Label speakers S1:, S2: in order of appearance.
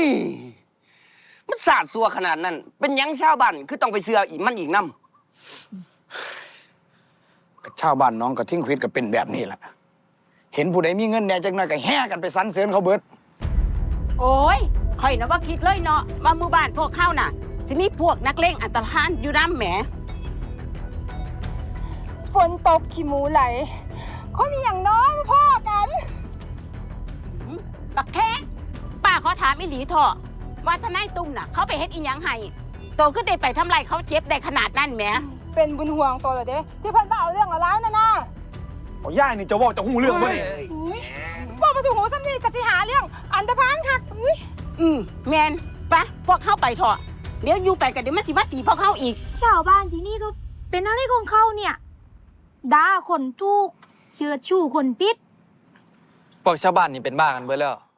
S1: มันสาดซัวขนาดนั้นเป็นยังชาวบ้านคือต้องไปเสืออีกมันอีกน้
S2: ชาวบ้านน้องกับทิ้งควิดก็เป็นแบบนี้แหละเห็นผู้ใดมีเงินแหน่จักหน่อยก็แห่กันไปสรรเสริญเขาเบิด
S3: โอ้ยข่อยนะว่าคิดเลยเนาะว่าหมู่บ้านพวกเข้าน่ะสิมีพวกนักเลงอันตรธานอยู่น้ำแหม
S4: ฝนตกขี้หมูไหลคนอหย่างน้องพ่อกัน
S3: บักแค่ป้าขอถามอีหลีเถอะว่าทนายตุ้มน่ะเขาไปเฮ็ดอีหยังให้โตขึ้นได้ไปทำไรเขาเจ็บได้ขนาดนั้นแหม
S4: เป็นบุญห่วงตัวเหรอเด้ที่เพิ่นมาเอาเรื่องเอาร้าวนั่นน่ะ
S5: เอาย่านี่จะว่าจะหูเรื่องบ่นี่
S4: ว่ามาถึงหูซ้ำนี่กะสิหาเรื่องอันธพาลคัก
S3: แมนไปพวกเข้าไปเถอะเดี๋ยวอยู่ไปกันเดี๋ยวมันสิมาตีพวกเข้าอีก
S6: ชาวบ้านที่นี่ก็เป็นอะไรของเขาเนี่ยด่าคนทุกข์เชื่อชู้คนปิด
S7: พวกชาวบ้านนี่เป็นบ้ากันเบิดแล้ว